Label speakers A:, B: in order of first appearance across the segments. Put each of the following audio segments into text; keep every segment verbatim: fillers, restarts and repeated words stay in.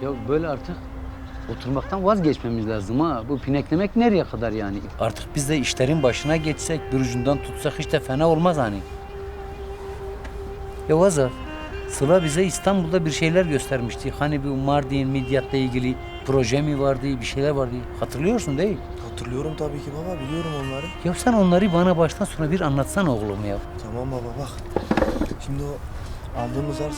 A: Ya böyle artık oturmaktan vazgeçmemiz lazım ha. Bu pineklemek nereye kadar yani? Artık biz de işlerin başına geçsek, bir ucundan tutsak hiç de fena olmaz hani. Ya Azar, Sıla bize İstanbul'da bir şeyler göstermişti. Hani bu Mardin, Midyat'la ilgili proje mi vardı, bir şeyler vardı. Hatırlıyorsun değil mi?
B: Hatırlıyorum tabii ki baba, biliyorum onları.
A: Ya sen onları bana baştan sona bir anlatsana oğlum ya.
B: Tamam baba bak. Şimdi o aldığımız arsa.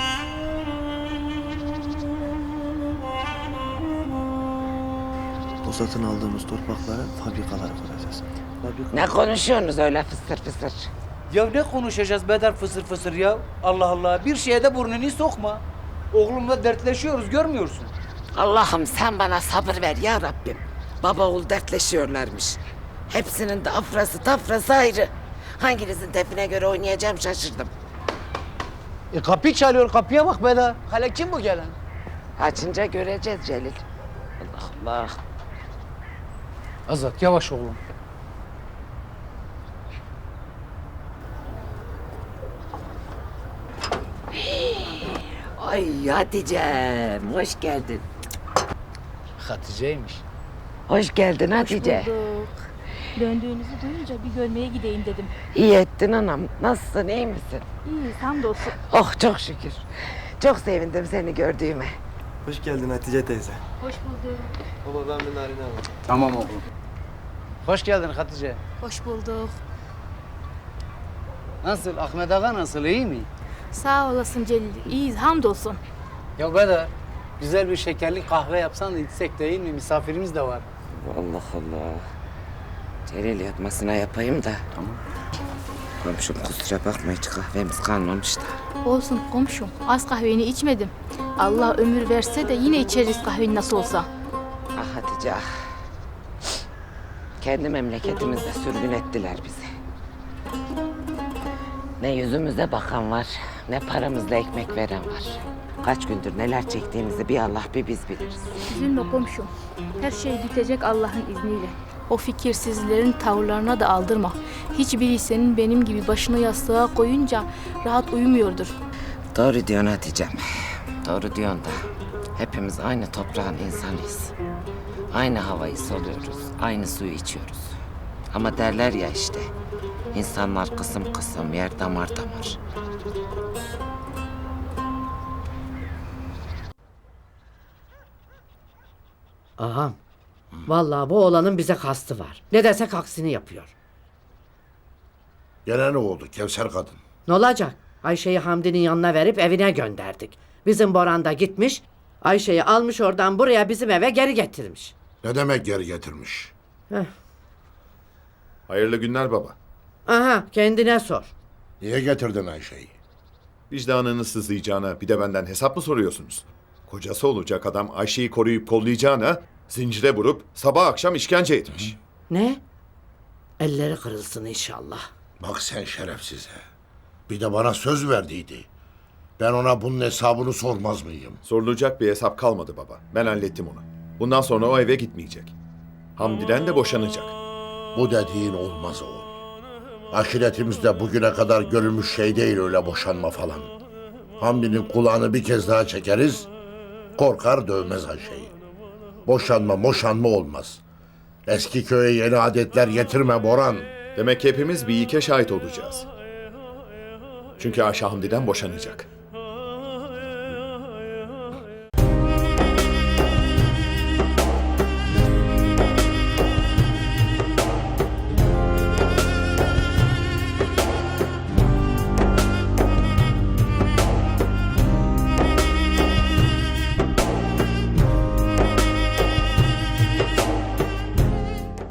B: O satın aldığımız topraklara fabrikalar kuracağız. Fabrika...
C: Ne konuşuyorsunuz öyle fısır fısır?
A: Ya ne konuşacağız Bedar fısır fısır ya? Allah Allah, bir şeye de burnunu sokma. Oğlumla dertleşiyoruz, görmüyorsun.
C: Allah'ım sen bana sabır ver ya Rabbim. Baba oğul dertleşiyorlarmış. Hepsinin de afrası tafrası ayrı. Hanginizin tepine göre oynayacağım şaşırdım.
A: E kapı çalıyor, kapıya bak Bedar. Hala kim bu gelen?
C: Açınca göreceğiz Celil. Allah Allah.
A: Azat yavaş oğlum.
C: Ay Hatice'm hoş geldin.
A: Hatice'ymiş.
C: Hoş geldin Hatice.
D: Hoş bulduk. Döndüğünüzü duyunca bir görmeye gideyim dedim.
C: İyi ettin anam. Nasılsın, iyi misin?
D: İyi, hamdolsun.
C: Oh çok şükür. Çok sevindim seni gördüğüme.
B: Hoş geldin Hatice teyze.
D: Hoş bulduk.
B: Baba ben bir narine alayım.
A: Tamam oğlum. Hoş geldin Hatice.
D: Hoş bulduk.
A: Nasıl? Ahmet Ağa nasıl? İyi mi?
D: Sağ olasın Celil. İyiyiz, hamdolsun.
A: Ya Bedar, güzel bir şekerli kahve yapsan da içsek değil mi? Misafirimiz de var.
C: Allah Allah. Celil yatmasına yapayım da.
A: Tamam.
C: Komşum kusura bakma hiç kahvemiz kalmamış da.
D: Olsun komşum, az kahveni içmedim. Allah ömür verse de yine içeriz kahveni nasıl olsa.
C: Ah Hatice ah. Kendi memleketimizde sürgün ettiler bizi. Ne yüzümüze bakan var, ne paramızla ekmek veren var. Kaç gündür neler çektiğimizi bir Allah bir biz biliriz.
D: Üzülme komşum. Her şey bitecek Allah'ın izniyle. O fikirsizlerin tavırlarına da aldırma. Hiçbiri senin benim gibi başını yastığa koyunca rahat uyumuyordur.
C: Doğru diyorsun Hatice'm. Doğru diyorsun da. Hepimiz aynı toprağın insanıyız. Aynı havayı soluyoruz, aynı suyu içiyoruz. Ama derler ya işte, insanlar kısım kısım, yer damar damar.
E: Ağam, vallahi bu oğlanın bize kastı var. Ne desek aksini yapıyor.
F: Gene ne oldu Kevser kadın?
E: Ne olacak? Ayşe'yi Hamdi'nin yanına verip evine gönderdik. Bizim Boran da gitmiş, Ayşe'yi almış oradan buraya bizim eve geri getirmiş.
F: Ne demek geri getirmiş?
E: Heh.
G: Hayırlı günler baba.
E: Aha, kendine sor.
F: Niye getirdin Ayşe'yi?
G: Vicdanını sızlayacağına bir de benden hesap mı soruyorsunuz? Kocası olacak adam Ayşe'yi koruyup kollayacağına zincire vurup sabah akşam işkence etmiş.
E: Ne? Elleri kırılsın inşallah.
F: Bak sen şerefsize. Bir de bana söz verdiydi. Ben ona bunun hesabını sormaz mıyım?
G: Sorulacak bir hesap kalmadı baba. Ben hallettim onu. Bundan sonra o eve gitmeyecek. Hamdi'den de boşanacak.
F: Bu dediğin olmaz oğul. Aşiretimizde bugüne kadar görülmüş şey değil öyle boşanma falan. Hamdi'nin kulağını bir kez daha çekeriz, korkar dövmez Ayşe'yi. Boşanma moşanma olmaz. Eski köye yeni adetler getirme Boran.
G: Demek ki hepimiz bir ilke şahit olacağız. Çünkü Ayşe Hamdi'den boşanacak.